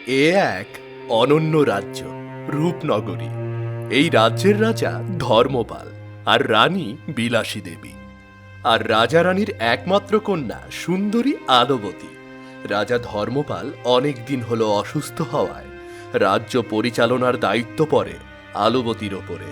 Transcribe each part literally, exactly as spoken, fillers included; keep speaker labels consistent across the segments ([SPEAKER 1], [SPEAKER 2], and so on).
[SPEAKER 1] এ এক অনন্য রাজ্য, রূপনগরী। এই রাজ্যের রাজা ধর্মপাল আর রানী বিলাসী দেবী, আর রাজা রানীর একমাত্র কন্যা সুন্দরী আলবতী। রাজা ধর্মপাল অনেক দিন হলো অসুস্থ হওয়ায় রাজ্য পরিচালনার দায়িত্ব পড়ে আলবতীর ওপরে।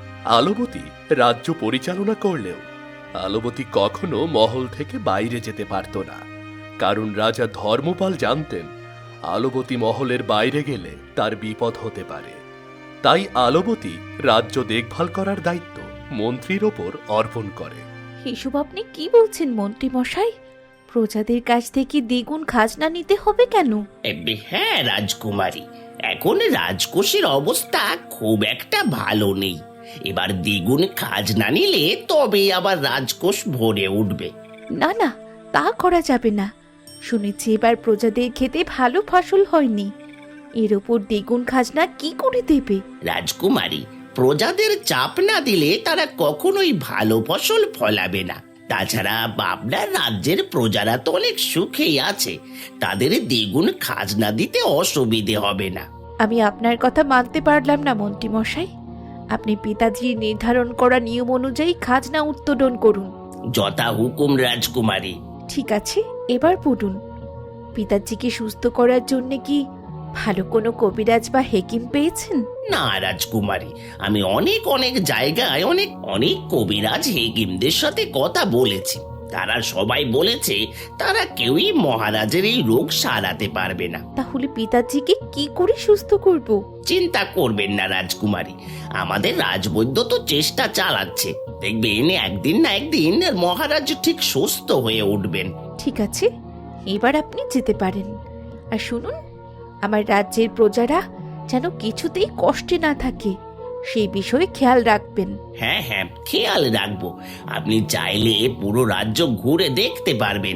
[SPEAKER 1] আলবতী রাজ্য পরিচালনা করলেও আলবতী কখনো মহল থেকে বাইরে যেতে পারত না, কারণ রাজা ধর্মপাল জানতেন আলবতী মহলের বাইরে গেলে তার বিপদ হতে পারে। তাই আলবতী রাজ্য দেখভাল করার দায়িত্ব মন্ত্রীর ওপর অর্পণ করে।
[SPEAKER 2] এসব আপনি কি বলছেন মন্ত্রী মশাই? প্রজাদের কাছ থেকে দ্বিগুণ খাজনা নিতে হবে কেন?
[SPEAKER 3] হ্যাঁ রাজকুমারী, এখন রাজকোষের অবস্থা খুব একটা ভালো নেই। এবার দ্বিগুণ খাজনা নিলে তবে আবার রাজকোষ ভরে উঠবে।
[SPEAKER 2] না না, তা করা যাবে না। শুনেছি এবার প্রজাদের খেতে ভালো ফসল হয়নি, এর ওপর দ্বিগুণ খাজনা কি করে দেবে?
[SPEAKER 3] রাজকুমারী, প্রজাদের চাপ না দিলে তারা কখনোই ভালো ফসল ফলাবে না। তাছাড়া আপনার রাজ্যের প্রজারা তো অনেক সুখেই আছে, তাদের দ্বিগুণ খাজনা দিতে অসুবিধে হবে না।
[SPEAKER 2] আমি আপনার কথা মানতে পারলাম না মন্ত্রী মশাই। আপনি পিতাজির নির্ধারণ করা নিয়ম অনুযায়ী খাজনা উত্তোলন করুন।
[SPEAKER 3] যথা হুকুম রাজকুমারী।
[SPEAKER 2] ঠিক আছে, এবার পড়ুন। পিতাজিকে সুস্থ করার জন্য কি ভালো কোনো কবিরাজ বা হেকিম পেয়েছেন?
[SPEAKER 3] না রাজকুমারী, আমি অনেক অনেক জায়গায় অনেক অনেক কবিরাজ হেকিমদের সাথে কথা বলেছি। তারা সবাই বলেছে তারা কেউই মহারাজের এই রোগ সারাতে পারবে না।
[SPEAKER 2] তাহলে পিতাজিকে কি করে সুস্থ করব?
[SPEAKER 3] চিন্তা করবেন না রাজকুমারী, আমাদের রাজবৈদ্য তো চেষ্টা চালাচ্ছে। দেখবেন একদিন না একদিন মহারাজ ঠিক সুস্থ হয়ে উঠবেন।
[SPEAKER 2] ঠিক আছে, এবার আপনি যেতে পারেন। আর শুনুন, আমার রাজ্যের প্রজারা যেন কিছুতেই কষ্টে না থাকে, সেই বিষয়ে খেয়াল রাখবেন।
[SPEAKER 3] হ্যাঁ হ্যাঁ, খেয়াল রাখবো। আপনি চাইলে পুরো রাজ্য ঘুরে দেখতে পারবেন।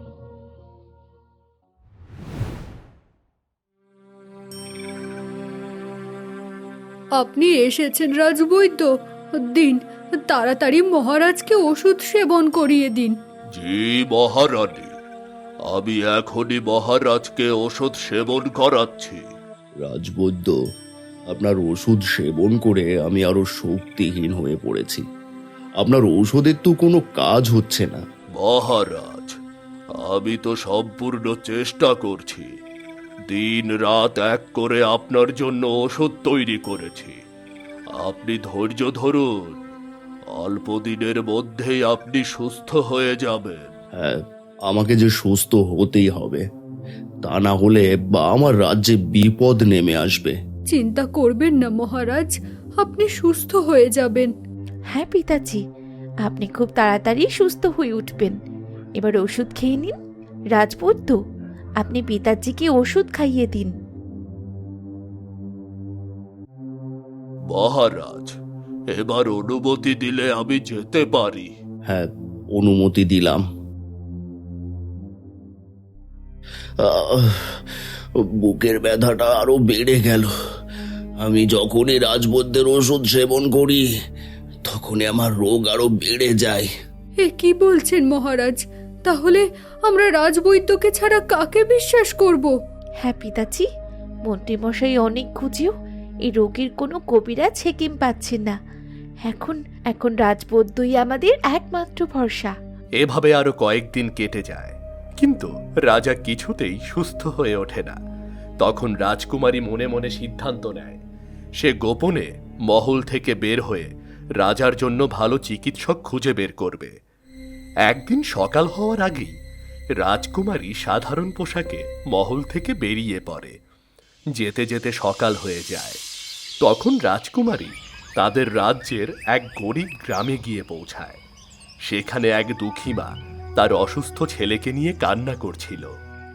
[SPEAKER 4] আপনি এসেছেন রাজবৈদ্য, দিন তাড়াতাড়ি মহারাজকে ওষুধ সেবন করিয়ে দিন।
[SPEAKER 1] জি মহারানী, আমি এখনই মহারাজকে ওষুধ সেবন করাচ্ছি।
[SPEAKER 5] রাজবৈদ্য, আপনার ওষুধ সেবন করে আমি আরো শক্তিহীন হয়ে পড়েছি। আপনার ঔষধের তো কোনো কাজ হচ্ছে না।
[SPEAKER 1] মহারাজ, আমি তো সম্পূর্ণ চেষ্টা করছি। দিন রাত এক করে আপনার জন্য ওষুধ তৈরি করেছি। আপনি ধৈর্য ধরুন, অল্প দিনের মধ্যেই আপনি সুস্থ হয়ে যাবেন।
[SPEAKER 5] হ্যাঁ, আমাকে যে সুস্থ হতেই হবে, তা না হলে বা আমার রাজ্যে বিপদ নেমে আসবে।
[SPEAKER 4] চিন্তা করবেন না মহারাজ, আপনি সুস্থ হয়ে যাবেন।
[SPEAKER 2] হ্যাঁ পিতাজি, আপনি খুব তাড়াতাড়ি সুস্থ হয়ে উঠবেন। এবার ওষুধ খেয়ে নিন। রাজবৈদ্য, আপনি পিতাজিকে ওষুধ খাইয়ে দিন।
[SPEAKER 1] মহারাজ, এবার অনুমতি দিলে আমি যেতে পারি।
[SPEAKER 5] হ্যাঁ, অনুমতি দিলাম। আহ, বুকের ব্যথাটা আরো বেড়ে গেল। আমি যখনই রাজবৈদ্যের ওষুধ সেবন করি তখনই আমার রোগ আরো বেড়ে যায়।
[SPEAKER 4] এ কি বলছেন মহারাজ? তাহলে আমরা রাজবৈদ্যকে ছাড়া কাকে বিশ্বাস করব?
[SPEAKER 2] হ্যাঁ পিতাজি, মন্ত্রীমশাই অনেক খুঁজেও এই রোগীর কোনো কবিরাজ হেকিম পাচ্ছেন না। এখন এখন রাজবৈদ্যই আমাদের একমাত্র ভরসা।
[SPEAKER 1] এভাবে আরো কয়েকদিন কেটে যায়, কিন্তু রাজা কিছুতেই সুস্থ হয়ে ওঠে না। তখন রাজকুমারী মনে মনে সিদ্ধান্ত নেয় সে গোপনে মহল থেকে বের হয়ে রাজার জন্য ভালো চিকিৎসক খুঁজে বের করবে। একদিন সকাল হওয়ার আগেই রাজকুমারী সাধারণ পোশাকে মহল থেকে বেরিয়ে পড়ে। যেতে যেতে সকাল হয়ে যায়। তখন রাজকুমারী তাদের রাজ্যের এক গরিব গ্রামে গিয়ে পৌঁছায়। সেখানে এক দুঃখী মা তার অসুস্থ ছেলেকে নিয়ে কান্না করছিল।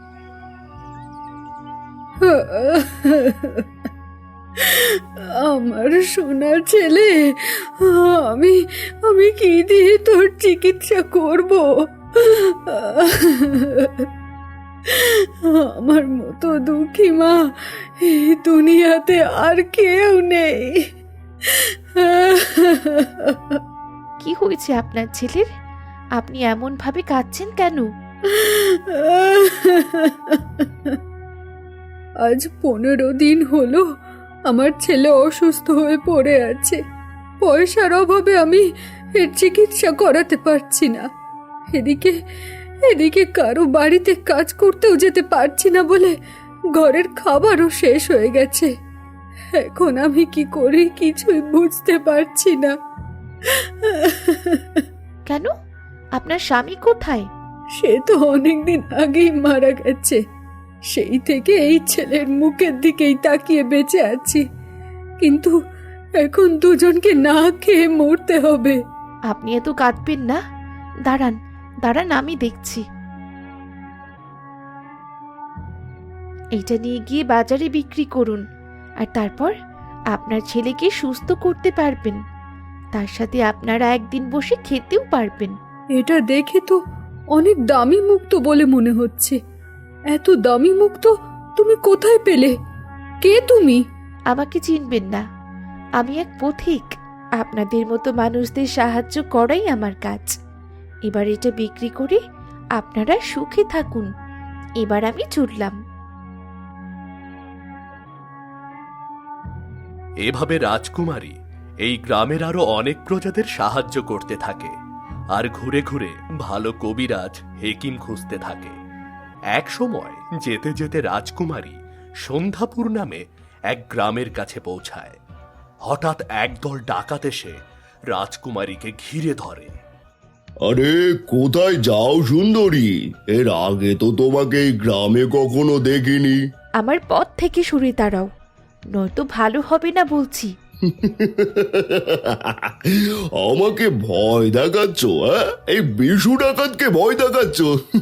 [SPEAKER 4] আমার সোনার ছেলে, আমি আমি কি দিয়ে তোর চিকিৎসা করব? আমার মতো দুঃখী মা এই দুনিয়াতে আর কেউ নেই।
[SPEAKER 2] কি হয়েছে আপনার ছেলের? আপনি এমন ভাবে কাঁদছেন কেন?
[SPEAKER 4] আজ পনেরো দিন হলো আমার ছেলে অসুস্থ হয়ে পড়ে আছে। পয়সার অভাবে আমি এর চিকিৎসা করাতে পারছি না। এদিকে এদিকে কারো বাড়িতে কাজ করতেও যেতে পারছি না বলে ঘরের খাবারও শেষ হয়ে গেছে। এখন আমি কি করি কিছুই বুঝতে পারছি না।
[SPEAKER 2] কেন? আপনার স্বামী কোথায়?
[SPEAKER 4] সে তো অনেকদিন আগেই মারা গেছে। সেই থেকে এই ছেলের মুখের দিকেই তাকিয়ে বেঁচে আছি, কিন্তু এখন দুজনকে না খেয়ে মরতে হবে।
[SPEAKER 2] আপনি এত কাঁদবেন না, দাঁড়ান দাঁড়ান আমি দেখছি। এইটা নিয়ে গিয়ে বাজারে বিক্রি করুন, আর তারপর আপনার ছেলেকে সুস্থ করতে পারবেন। তার সাথে আপনারা একদিন বসে খেতেও পারবেন।
[SPEAKER 4] এটা দেখে তো অনেক দামি মুক্তো বলে মনে হচ্ছে। এত দামি মুক্তো তুমি কোথায় পেলে? কে তুমি?
[SPEAKER 2] আমাকে চিনবেন না, আমি এক পথিক। আপনাদের মতো মানুষদের সাহায্য করাই আমার কাজ। এবার এটা বিক্রি করে আপনারা সুখে থাকুন। এবার আমি চললাম।
[SPEAKER 1] এভাবে রাজকুমারী এই গ্রামের আরো অনেক প্রজাদের সাহায্য করতে থাকে আর ঘুরে ঘুরে ভালো কবিরাজ হেকিম খুঁজতে থাকে। এক সময় যেতে যেতে রাজকুমারী সন্ধ্যাপুর নামে এক গ্রামের কাছে পৌঁছায়। হঠাৎ একদল ডাকাত এসে রাজকুমারীকে ঘিরে ধরে।
[SPEAKER 5] আরে কোথায় যাও সুন্দরী? এর আগে তো তোমাকে এই গ্রামে কখনো দেখিনি।
[SPEAKER 2] আমার পথ থেকে সরে দাঁড়াও, নয়তো ভালো হবে না বলছি।
[SPEAKER 5] আমাকে ভয় দেখাচ্ছ? হ্যাঁ, এই বিশু ডাকাতকে ভয় দেখাচ্ছ?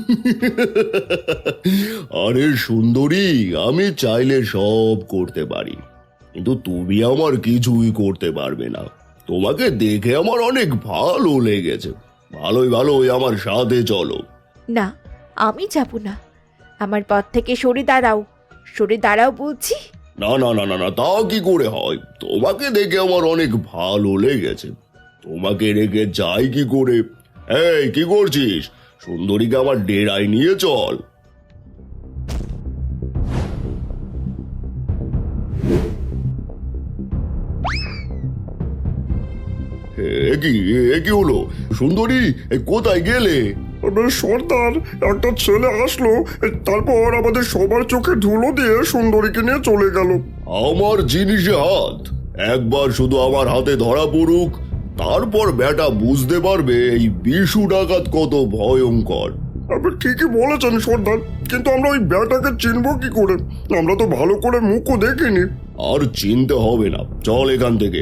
[SPEAKER 5] আরে সুন্দরী, আমি চাইলে সব করতে পারি, কিন্তু তুমি আমার কিছুই করতে পারবে না। তোমাকে দেখে আমার অনেক ভালো লেগেছে। ভালোই ভালোই আমার সাথে চলো।
[SPEAKER 2] না, আমি যাব না। আমার পথ থেকে সরে দাঁড়াও, সরে দাঁড়াও বলছি।
[SPEAKER 5] না না না না না, তা কি করে হয়? তোমাকে দেখে আমার অনেক ভালো লেগেছে, তোমাকে রেখে যাই কি করে? এই কি করছিস? সুন্দরীকে আমার ডেরায় নিয়ে চল। এ কি এ কি হলো? সুন্দরী, এ কোথায় গেলে?
[SPEAKER 6] সর্দার, একটা ছেলে আসলো, তারপর আমাদের সবার চোখে ধুলো দিয়ে সুন্দরীকে নিয়ে চলে গেল।
[SPEAKER 5] আমার জিনিসে হাত একবার শুধু আমার হাতে ধরা পড়ুক, তারপর বেটা বুঝতে পারবে এই বিশু ডাকাত কত ভয়ঙ্কর।
[SPEAKER 6] আপনি ঠিকই বলেছেন সর্দার, কিন্তু আমরা ওই ব্যাটাকে চিনব কি করে? আমরা তো ভালো করে মুখও দেখিনি।
[SPEAKER 5] আর চিনতে হবে না, চল এখান থেকে।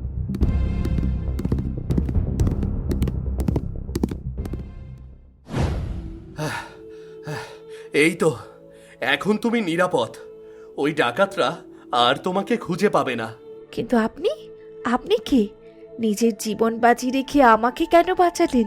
[SPEAKER 1] এই তো, এখন তুমি নিরাপদ। ওই ডাকাতরা আর তোমাকে খুঁজে পাবে না।
[SPEAKER 2] কিন্তু আপনি আপনি কে? নিজের জীবন বাজি রেখে আমাকে কেন বাঁচালেন?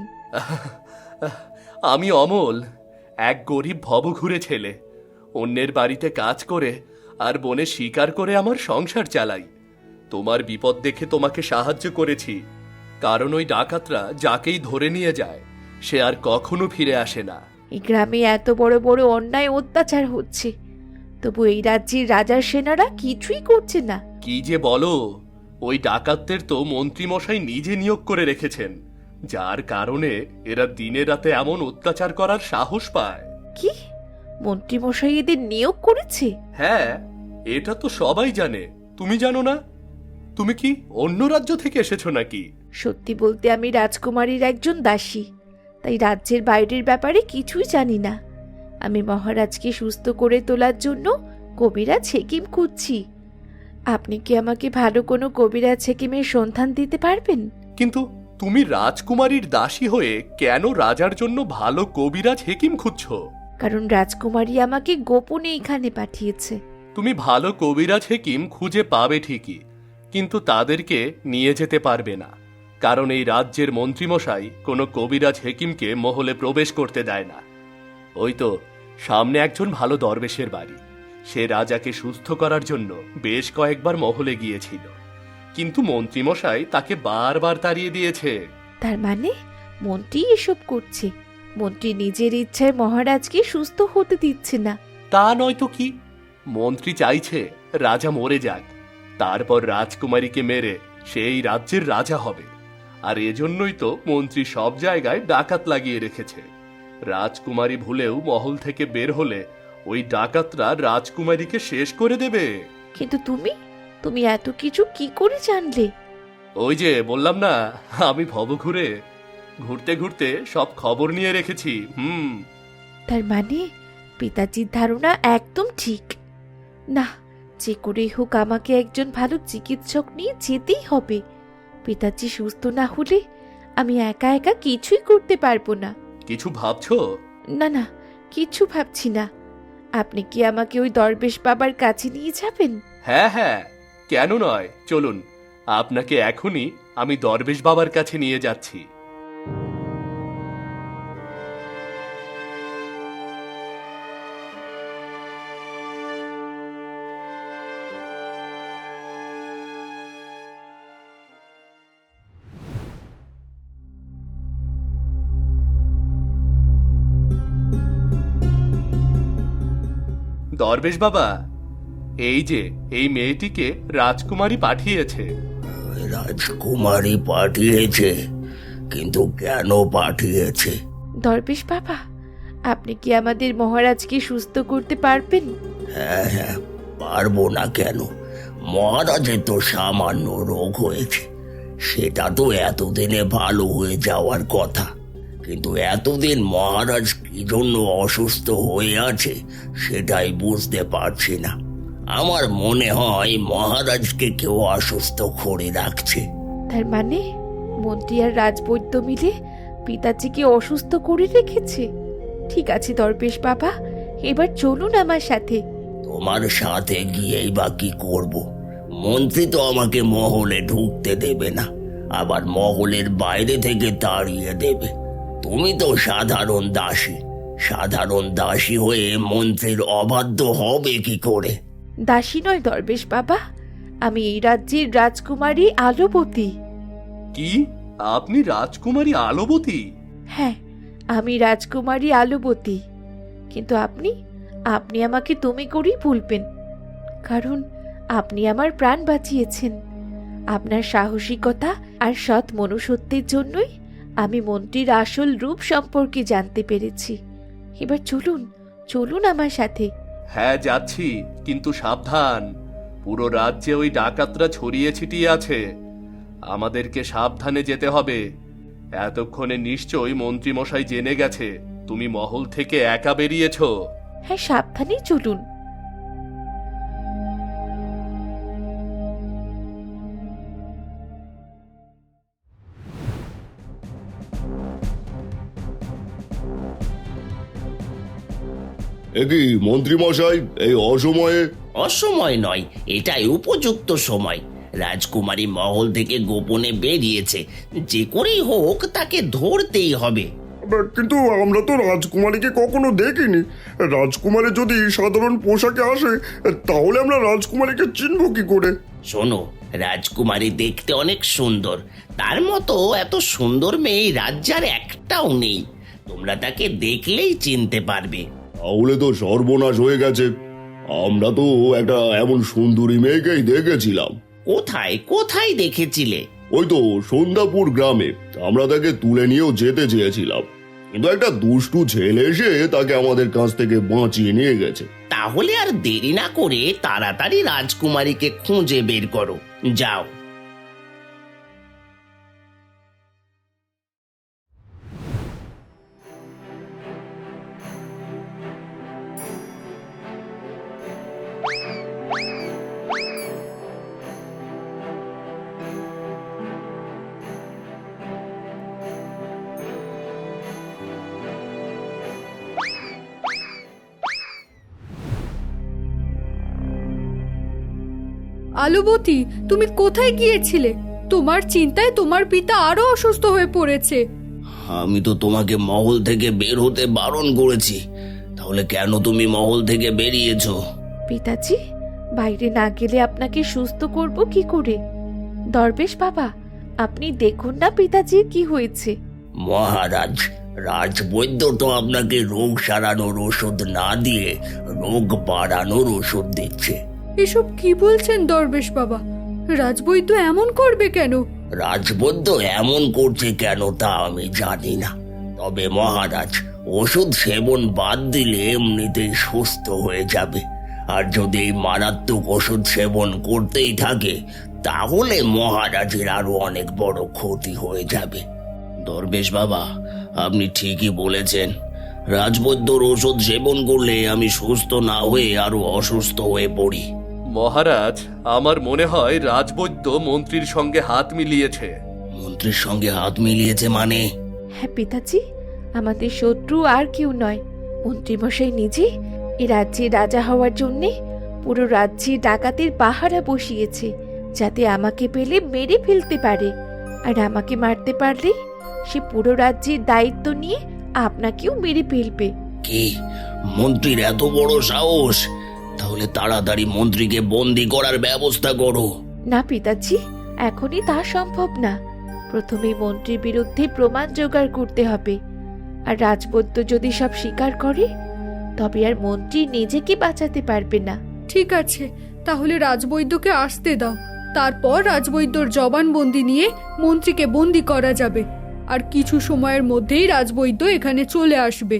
[SPEAKER 1] আমি অমল, এক গরিব ভবঘুরে ছেলে। অন্যের বাড়িতে কাজ করে আর বনে শিকার করে আমার সংসার চালাই। তোমার বিপদ দেখে তোমাকে সাহায্য করেছি, কারণ ওই ডাকাতরা যাকেই ধরে নিয়ে যায় সে আর কখনো ফিরে আসে না।
[SPEAKER 2] এই গ্রামে এত বড় বড় অন্যায় অত্যাচার হচ্ছে, তবু এই রাজ্যের রাজার সেনারা কিছুই করছে না।
[SPEAKER 1] কি যে বলো, ওই ডাকাতদের তো মন্ত্রীমশাই নিজে নিয়োগ করে রেখেছেন, যার কারণে এরা দিনে রাতে এমন অত্যাচার করার সাহস পায়।
[SPEAKER 2] কি? মন্ত্রীমশাই এদের নিয়োগ করেছে?
[SPEAKER 1] হ্যাঁ, এটা তো সবাই জানে, তুমি জানো না? তুমি কি অন্য রাজ্য থেকে এসেছো নাকি?
[SPEAKER 2] সত্যি বলতে আমি রাজকুমারীর একজন দাসী, তাই রাজ্যের বাইরের ব্যাপারে কিছুই জানি না। আমি মহারাজকে সুস্থ করে তোলার জন্য কবিরাজ হেকিম খুঁজছি। আপনি কি আমাকে ভালো কোনো কবিরাজ হেকিমের সন্ধান দিতে পারবেন?
[SPEAKER 1] কিন্তু তুমি রাজকুমারীর দাসী হয়ে কেন রাজার জন্য ভালো কবিরাজ হেকিম খুঁজছো?
[SPEAKER 2] কারণ রাজকুমারী আমাকে গোপনে এখানে পাঠিয়েছে।
[SPEAKER 1] তুমি ভালো কবিরাজ হেকিম খুঁজে পাবে ঠিকই, কিন্তু তাদেরকে নিয়ে যেতে পারবে না, কারণ এই রাজ্যের মন্ত্রীমশাই কোনো কবিরাজ হেকিমকে মহলে প্রবেশ করতে দেয় না। ওই তো সামনে একজন ভালো দরবেশের বাড়ি, সে রাজাকে সুস্থ করার জন্য বেশ কয়েকবার মহলে গিয়েছিল, কিন্তু মন্ত্রীমশাই তাকে বারবার তাড়িয়ে দিয়েছে।
[SPEAKER 2] তার মানে মন্ত্রী এসব করছে? মন্ত্রী নিজের ইচ্ছায় মহারাজকে সুস্থ হতে দিচ্ছে না?
[SPEAKER 1] তা নয় তো কি, মন্ত্রী চাইছে রাজা মরে যাক, তারপর রাজকুমারীকে মেরে সেই রাজ্যের রাজা হবে। আর এজন্যই তো মন্ত্রী সব জায়গায় ডাকাত লাগিয়ে রেখেছে। রাজকুমারী ভুলেও মহল থেকে বের হলে ওই ডাকাতরা রাজকুমারীকে শেষ করে দেবে।
[SPEAKER 2] কিন্তু তুমি তুমি এত কিছু কি করে জানলে?
[SPEAKER 1] ওই যে বললাম না, আমি ভব ঘুরে ঘুরতে ঘুরতে সব খবর নিয়ে রেখেছি। হুম
[SPEAKER 2] তার মানে পিতাজির ধারণা একদম ঠিক। না, যে করেই হোক আমাকে একজন ভালো চিকিৎসক নিয়ে যেতেই হবে। পিতাজি সুস্থ না হলে আমি একা একা কিছুই করতে পারবো না।
[SPEAKER 1] কিছু ভাবছো?
[SPEAKER 2] না না, কিছু ভাবছি না। আপনি কি আমাকে ওই দরবেশ বাবার কাছে নিয়ে যাবেন?
[SPEAKER 1] হ্যাঁ হ্যাঁ, কেন নয়, চলুন আপনাকে এখনই আমি দরবেশ বাবার কাছে নিয়ে যাচ্ছি। দরবেশ বাবা, এই যে এই মেয়েটিকে রাজকুমারী পাঠিয়েছে।
[SPEAKER 5] রাজকুমারী পাঠিয়েছে? কিন্তু কেন পাঠিয়েছে?
[SPEAKER 2] দরবেশ বাবা, আপনি কি আমাদের মহারাজকে সুস্থ করতে পারবেন?
[SPEAKER 5] হ্যাঁ হ্যাঁ, পারবো না কেন? মহারাজের তো সামান্য রোগ হয়েছে, সেটা তো এতদিনে ভালো হয়ে যাওয়ার কথা। কিন্তু এতদিন মহারাজ কি জন্য অসুস্থ হয়ে আছে সেটাই বুঝতে পারছি না। আমার মনে হয় মহারাজকে কেউ অসুস্থ করে রাখছে।
[SPEAKER 2] তার মানে মন্ত্রী আর রাজবৈদ্য মিলে পিতাজিকে অসুস্থ করে রেখেছে। ঠিক আছে দরবেশ বাবা, এবার চলুন আমার সাথে।
[SPEAKER 5] তোমার সাথে গিয়েই বা কি করব? মন্ত্রী তো আমাকে মহলে ঢুকতে দেবে না, আবার মহলের বাইরে থেকে তাড়িয়ে দেবে। তুমি তো সাধারণ দাসী, সাধারণ দাসী হয়ে মন্ত্রীর অবাধ্য হবে কি করে?
[SPEAKER 2] দাসী নয় দরবেশ বাবা, আমি এই রাজ্যের রাজকুমারী আলোবতী।
[SPEAKER 1] কি, আপনি রাজকুমারী আলোবতী?
[SPEAKER 2] হ্যাঁ, আমি রাজকুমারী আলোবতী। কিন্তু আপনি আপনি আমাকে তুমি করেই বলবেন, কারণ আপনি আমার প্রাণ বাঁচিয়েছেন। আপনার সাহসিকতা আর সৎ মনুষ্যত্বের জন্যই আমি মন্ত্রীর আসল রূপ সম্পর্কে জানতে পেরেছি। এবার চলুন চলুন আমার সাথে।
[SPEAKER 1] হ্যাঁ যাচ্ছি, কিন্তু সাবধান, পুরো রাজ্যে ওই ডাকাতরা ছড়িয়ে ছিটিয়ে আছে, আমাদেরকে সাবধানে যেতে হবে। এতক্ষণে নিশ্চয়ই মন্ত্রী মশাই জেনে গেছে তুমি মহল থেকে একা বেরিয়েছো।
[SPEAKER 2] হ্যাঁ, সাবধানেই চলুন।
[SPEAKER 6] একই মন্ত্রী মশাই, এই অসময়ে?
[SPEAKER 3] অসময় নয়, এটাই উপযুক্ত সময়। রাজকুমারী মহল থেকে গোপনে বেরিয়েছে, যে করেই হোক তাকে ধরতেই হবে।
[SPEAKER 6] কিন্তু আমরা তো রাজকুমারীকে কখনো দেখিনি। রাজকুমারী যদি সাধারণ পোশাকে আসে তাহলে আমরা রাজকুমারীকে চিনব কি করে?
[SPEAKER 3] শোনো, রাজকুমারী দেখতে অনেক সুন্দর, তার মতো এত সুন্দর মেয়ে এই রাজ্যে আর একটাও নেই। তোমরা তাকে দেখলেই চিনতে পারবে।
[SPEAKER 6] তাহলে তো সর্বনাশ হয়ে গেছে। আমরা তো একটা এমন সুন্দরী মেয়েকেই দেখেছিলাম।
[SPEAKER 3] কোথায় কোথায় দেখেছিলে?
[SPEAKER 6] ওই তো সন্ধ্যাপুর গ্রামে। আমরা তাকে তুলে নিয়েও যেতে চেয়েছিলাম, কিন্তু একটা দুষ্টু ছেলে এসে তাকে আমাদের কাছ থেকে বাঁচিয়ে নিয়ে গেছে।
[SPEAKER 3] তাহলে আর দেরি না করে তাড়াতাড়ি রাজকুমারীকে খুঁজে বের করো, যাও।
[SPEAKER 4] আলুবতী, তুমি কোথায় গিয়েছিলে? তোমার চিন্তায় তোমার পিতা আরো অসুস্থ হয়ে পড়েছে।
[SPEAKER 5] আমি তো তোমাকে মহল থেকে বের হতে বারণ করেছি, তাহলে কেন তুমি মহল থেকে বেরিয়েছো?
[SPEAKER 2] পিতাজি, বাইরে না গেলে আপনাকে সুস্থ করব কি করে? দরবেশ বাবা, আপনি দেখুন না পিতাজির কি হয়েছে।
[SPEAKER 5] মহারাজ,
[SPEAKER 3] রাজবৈদ্য তো আপনাকে রোগ সারানোর ওষুধ না দিয়ে রোগ বাড়ানোর ওষুধ দিচ্ছে।
[SPEAKER 4] এসব কি বলছেন দরবেশ বাবা? রাজবৈদ্য এমন করবে কেন?
[SPEAKER 3] রাজবৈদ্য এমন করছে কেন তা আমি জানি না, তবে মহারাজ ওষুধ সেবন বাদ দিলে এমনিতেই সুস্থ হয়ে যাবে। আর যদি এই মারাত্মক ওষুধ সেবন করতেই থাকে তাহলে মহারাজের আরো অনেক বড় ক্ষতি হয়ে যাবে।
[SPEAKER 5] দরবেশ বাবা, আপনি ঠিকই বলেছেন। রাজবৈদ্যর ওষুধ সেবন করলে আমি সুস্থ না হয়ে আরো অসুস্থ হয়ে পড়ি।
[SPEAKER 1] মহারাজ, আমার মনে হয় রাজবৈদ্য মন্ত্রীর সঙ্গে হাত মিলিয়েছে।
[SPEAKER 5] মন্ত্রীর সঙ্গে হাত মিলিয়েছে মানে?
[SPEAKER 2] হ্যাঁ পিতাজি, আমাদের শত্রু আর কেউ নয়, মন্ত্রীমশাই নিজে এ রাজ্যে রাজা হওয়ার জন্যে পুরো রাজ্যে ডাকাতের পাহারা বসিয়েছে, যাতে আমাকে পেলে মেরে ফেলতে পারে। আর আমাকে মারতে পারলে সে পুরো রাজ্যের দায়িত্ব নিয়ে আপনাকেও মেরে ফেলবে।
[SPEAKER 5] কি, মন্ত্রীর এত বড় সাহস? তাহলে তাড়াতাড়ি মন্ত্রীকে বন্দি করার ব্যবস্থা করো।
[SPEAKER 2] না পিতাজি, এখনই তা সম্ভব না। প্রথমে মন্ত্রীর বিরুদ্ধে প্রমাণ জোগাড় করতে হবে। আর রাজবৈদ্য যদি সব স্বীকার করে তবে আর মন্ত্রী নিজেকে বাঁচাতে পারবে না।
[SPEAKER 4] ঠিক আছে, তাহলে রাজবৈদ্যকে আসতে দাও। তারপর রাজবৈদ্যর জবানবন্দি নিয়ে মন্ত্রীকে বন্দি করা যাবে। আর কিছু সময়ের মধ্যেই রাজবৈদ্য এখানে চলে আসবে।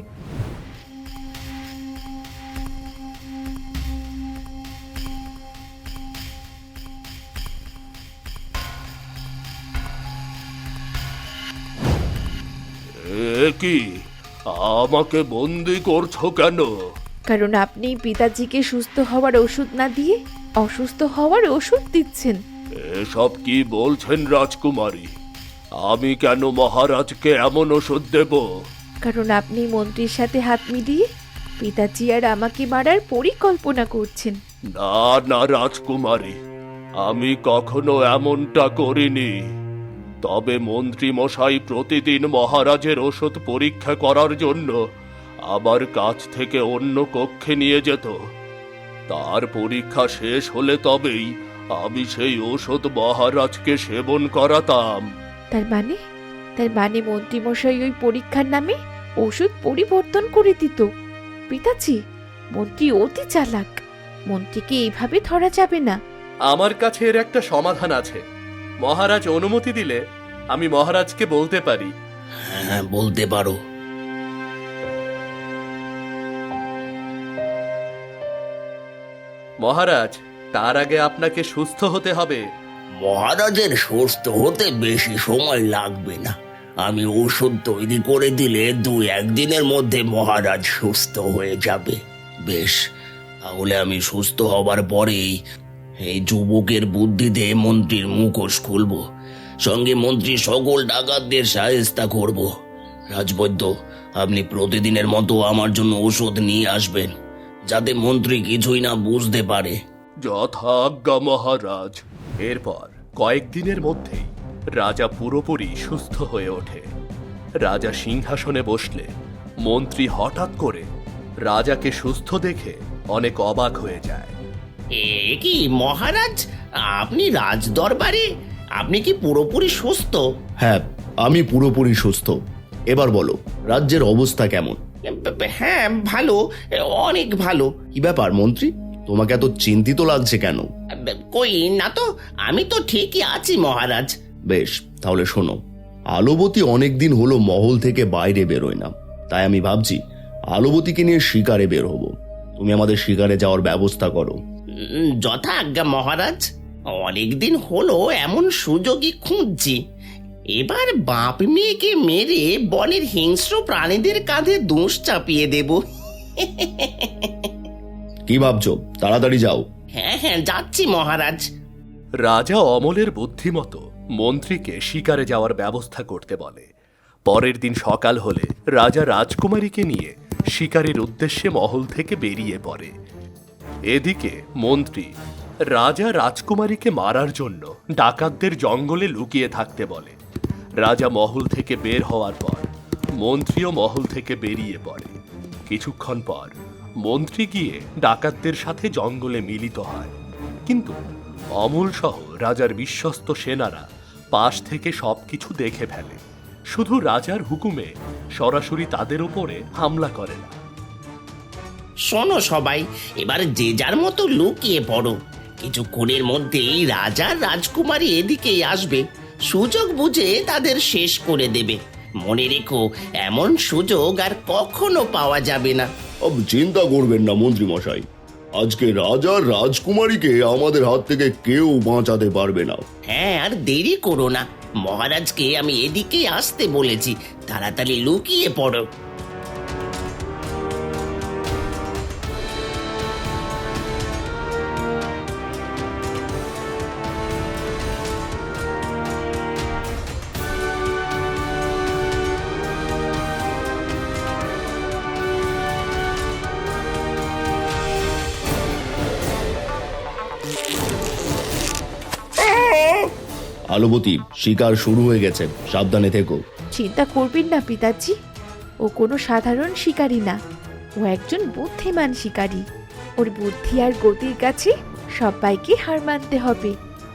[SPEAKER 1] এ কি, আমাকে বন্দি করছো কেন?
[SPEAKER 2] কারণ আপনি পিতাজিকে সুস্থ হওয়ার ওষুধ না দিয়ে অসুস্থ হওয়ার ওষুধ দিচ্ছেন।
[SPEAKER 1] এসব কি বলছেন রাজকুমারী? আমি কেন মহারাজকে এমন ওষুধ দেব?
[SPEAKER 2] কারণ আপনি মন্ত্রীর সাথে হাত মিলিয়ে পিতাজি আর আমাকে মারার পরিকল্পনা করছেন।
[SPEAKER 1] না না রাজকুমারী, আমি কখনো এমনটা করিনি। তবে মন্ত্রী মশাই প্রতিদিন মহারাজের ওষুধ পরীক্ষা করার জন্য আমার কাছ থেকে অন্য কক্ষে নিয়ে যেত। তার পরীক্ষা শেষ হলে তবেই আমি সেই ওষুধ মহারাজকে সেবন করাতাম।
[SPEAKER 2] তার মানে তার মানে মন্ত্রী মশাই ওই পরীক্ষার নামে ওষুধ পরিবর্তন করে দিত। পিতাজি, মন্ত্রী অতি চালাক, মন্ত্রীকে এইভাবে ধরা যাবে না।
[SPEAKER 1] আমার কাছে এর একটা সমাধান আছে। মহারাজ অনুমতি দিলে আমি মহারাজকে বলতে পারি।
[SPEAKER 5] হ্যাঁ, বলতে পারো।
[SPEAKER 1] মহারাজ, তার আগে আপনাকে সুস্থ হতে হবে।
[SPEAKER 3] মহারাজের সুস্থ হতে বেশি সময় লাগবে না। আমি ওষুধ তৈরি করে দিলে দু একদিনের মধ্যে মহারাজ সুস্থ হয়ে যাবে।
[SPEAKER 5] বেশ, তাহলে আমি সুস্থ হবার পরেই এই যুবকের বুদ্ধিতে মন্ত্রীর মুখোশ খুলব, সঙ্গে মন্ত্রী সকল ডাকাতদের সাহেস্তা করব। রাজবৈদ্য, আপনি প্রতিদিনের মতো আমার জন্য ওষুধ নিয়ে আসবেন, যাতে মন্ত্রী কিছুই না বুঝতে পারে।
[SPEAKER 1] যথাজ্ঞা মহারাজ। এরপর কয়েকদিনের মধ্যেই রাজা পুরোপুরি সুস্থ হয়ে ওঠে। রাজা সিংহাসনে বসলে মন্ত্রী হঠাৎ করে রাজাকে সুস্থ দেখে অনেক অবাক হয়ে যায়।
[SPEAKER 3] এ কি মহারাজ, আপনি রাজদরবারে? আপনি কি পুরোপুরি সুস্থ?
[SPEAKER 6] হ্যাঁ, আমি পুরোপুরি সুস্থ। এবার বলো, রাজ্যের অবস্থা কেমন?
[SPEAKER 3] হ্যাঁ, ভালো, অনেক ভালো।
[SPEAKER 6] কি ব্যাপার মন্ত্রী, তোমাকে এত চিন্তিত লাগছে কেন?
[SPEAKER 3] কই না তো, আমি তো ঠিকই আছি মহারাজ।
[SPEAKER 6] বেশ, তাহলে শোনো, আলোবতী অনেকদিন হলো মহল থেকে বাইরে বেরোয় না। তাই আমি ভাবছি আলোবতীকে নিয়ে শিকারে বের হব। তুমি আমাদের শিকারে যাওয়ার ব্যবস্থা করো।
[SPEAKER 3] উম, যথা আজ্ঞা মহারাজ। অনেকদিন হলো এমন সুযোগই খুঁজছি। এবার বাপ মেয়েকে মেরে বনের হিংস্র প্রাণীদের কাঁধে দোষ চাপিয়ে দেব।
[SPEAKER 6] কি ভাবছো? তাড়াতাড়ি যাও।
[SPEAKER 3] হ্যাঁ হ্যাঁ, যাচ্ছি মহারাজ।
[SPEAKER 1] রাজা অমলের বুদ্ধিমতো মন্ত্রীকে শিকারে যাওয়ার ব্যবস্থা করতে বলে। পরের দিন সকাল হলে রাজা রাজকুমারীকে নিয়ে শিকারের উদ্দেশ্যে মহল থেকে বেরিয়ে পড়ে। এদিকে মন্ত্রী রাজা রাজকুমারীকে মারার জন্য ডাকাতদের জঙ্গলে লুকিয়ে থাকতে বলে। রাজা মহল থেকে বের হওয়ার পর মন্ত্রীও মহল থেকে বেরিয়ে পড়ে। কিছুক্ষণ পর মন্ত্রী গিয়ে ডাকাতদের সাথে জঙ্গলে মিলিত হয়, কিন্তু অমল সহ রাজার বিশ্বস্ত সেনারা পাশ থেকে সবকিছু দেখে ফেলে। শুধু রাজার হুকুমে সরাসরি তাদের ওপরে হামলা করে না।
[SPEAKER 3] শোনো সবাই, এবার যে যার মতো লুকিয়ে পড়ো। কিছুক্ষণের মধ্যেই রাজা রাজকুমারী এদিকেই আসবে, সুযোগ বুঝে তাদের শেষ করে দেবে। মনে রেখো, এমন সুযোগ আর কখনো পাওয়া যাবে না।
[SPEAKER 6] আব চিন্তা করবেন না মন্ত্রী মশাই, আজকে রাজা রাজকুমারীকে আমাদের হাত থেকে কেউ বাঁচাতে পারবে না।
[SPEAKER 3] হ্যাঁ, আর দেরি করো না, মহারাজকে আমি এদিকেই আসতে বলেছি। তাড়াতাড়ি লুকিয়ে পড়ো।
[SPEAKER 6] আলোবতী, শিকার শুরু হয়ে গেছে, সাবধানে থেকো।
[SPEAKER 2] চিন্তা করবেন না পিতাজি, ও কোনো সাধারণ শিকারী না, ও একজন বুদ্ধিমান শিকারী। ওর বুদ্ধি আর গতির কাছে সবাইকে হার মানতে হবে।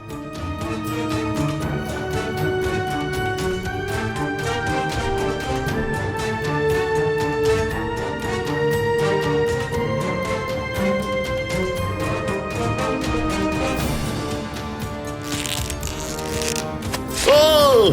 [SPEAKER 6] ও!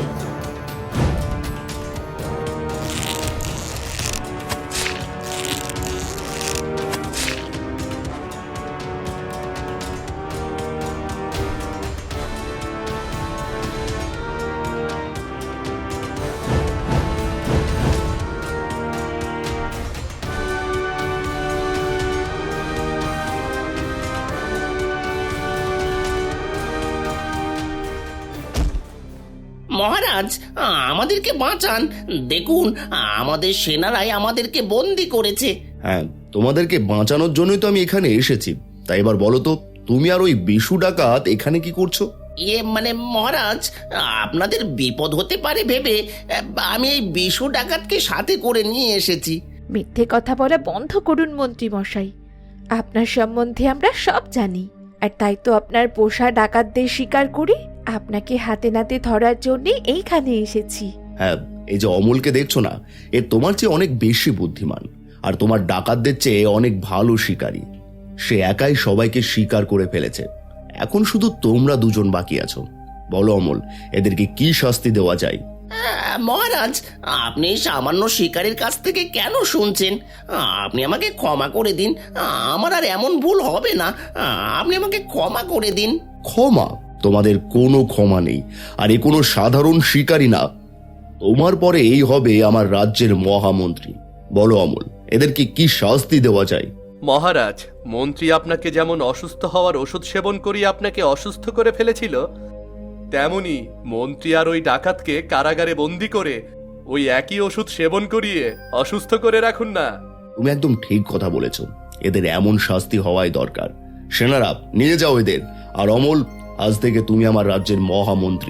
[SPEAKER 3] মহারাজ, আমাদেরকে বাঁচান। দেখুন, আমাদের সেনারাই আমাদেরকে বন্দি করেছে।
[SPEAKER 6] হ্যাঁ, তোমাদেরকে বাঁচানোর জন্যই তো আমি এখানে এসেছি। তাই এবার বলো তো, তুমি আর ওই বিশু ডাকাত এখানে কি করছো?
[SPEAKER 3] ইয়ে মানে মহারাজ, আপনাদের বিপদ হতে পারে ভেবে আমি এই বিশু ডাকাতকে সাথে করে নিয়ে এসেছি।
[SPEAKER 2] মিথ্যে কথা বলা বন্ধ করুন মন্ত্রী মশাই, আপনার সম্বন্ধে আমরা সব জানি। আর তাই তো আপনার পোষা ডাকাতদের শিকার করে আপনাকে হাতে নাতে ধরার জন্য এইখানে এসেছি।
[SPEAKER 6] হ্যাঁ, এই যে অমলকে দেখছো না, এ তোমার চেয়ে অনেক বেশি বুদ্ধিমান, আর তোমার ডাকাতদের চেয়ে অনেক ভালো শিকারী। সে একাই সবাইকে শিকার করে ফেলেছে। এখন শুধু তোমরা দুজন বাকি আছো। বলো অমল, এদেরকে কি শাস্তি দেওয়া যায়?
[SPEAKER 3] আহ, মহারাজ, আপনি এই সামান্য শিকারীর কাছ থেকে কেন শুনছেন? আপনি আমাকে ক্ষমা করে দিন, আমার আর এমন ভুল হবে না। আপনি আমাকে ক্ষমা করে দিন।
[SPEAKER 6] ক্ষমা? তোমাদের কোনো ক্ষমা নেই, আর এ কোনো সাধারণ শিকারী না। তোমার পরে এই হবে আমার রাজ্যের মহামন্ত্রী। বলো অমল, এদেরকে কি শাস্তি দেওয়া যায়?
[SPEAKER 1] মহারাজ, মন্ত্রী আপনাকে যেমন অসুস্থ হওয়ার ওষুধ সেবন করিয়ে আপনাকে অসুস্থ করে ফেলেছিল, তেমনি মন্ত্রী আর ওই ডাকাতকে কারাগারে বন্দি করে ওই একই ওষুধ সেবন করিয়ে অসুস্থ করে রাখুন না।
[SPEAKER 6] তুমি একদম ঠিক কথা বলেছ, এদের এমন শাস্তি হওয়াই দরকার। সেনারা, নিয়ে যাও এদের। আর অমল, আজ থেকে তুমি আমার রাজ্যের মহামন্ত্রী।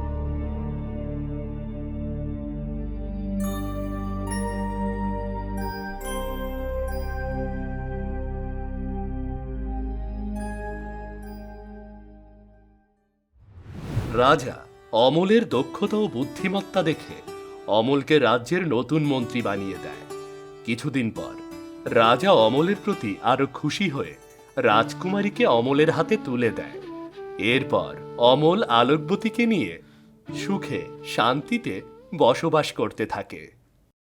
[SPEAKER 1] রাজা অমলের দক্ষতা ও বুদ্ধিমত্তা দেখে অমলকে রাজ্যের নতুন মন্ত্রী বানিয়ে দেয়। কিছুদিন পর রাজা অমলের প্রতি আরো খুশি হয়ে রাজকুমারীকে অমলের হাতে তুলে দেয়। এরপর অমল আলোকবতীকে নিয়ে সুখে শান্তিতে বসবাস করতে থাকে।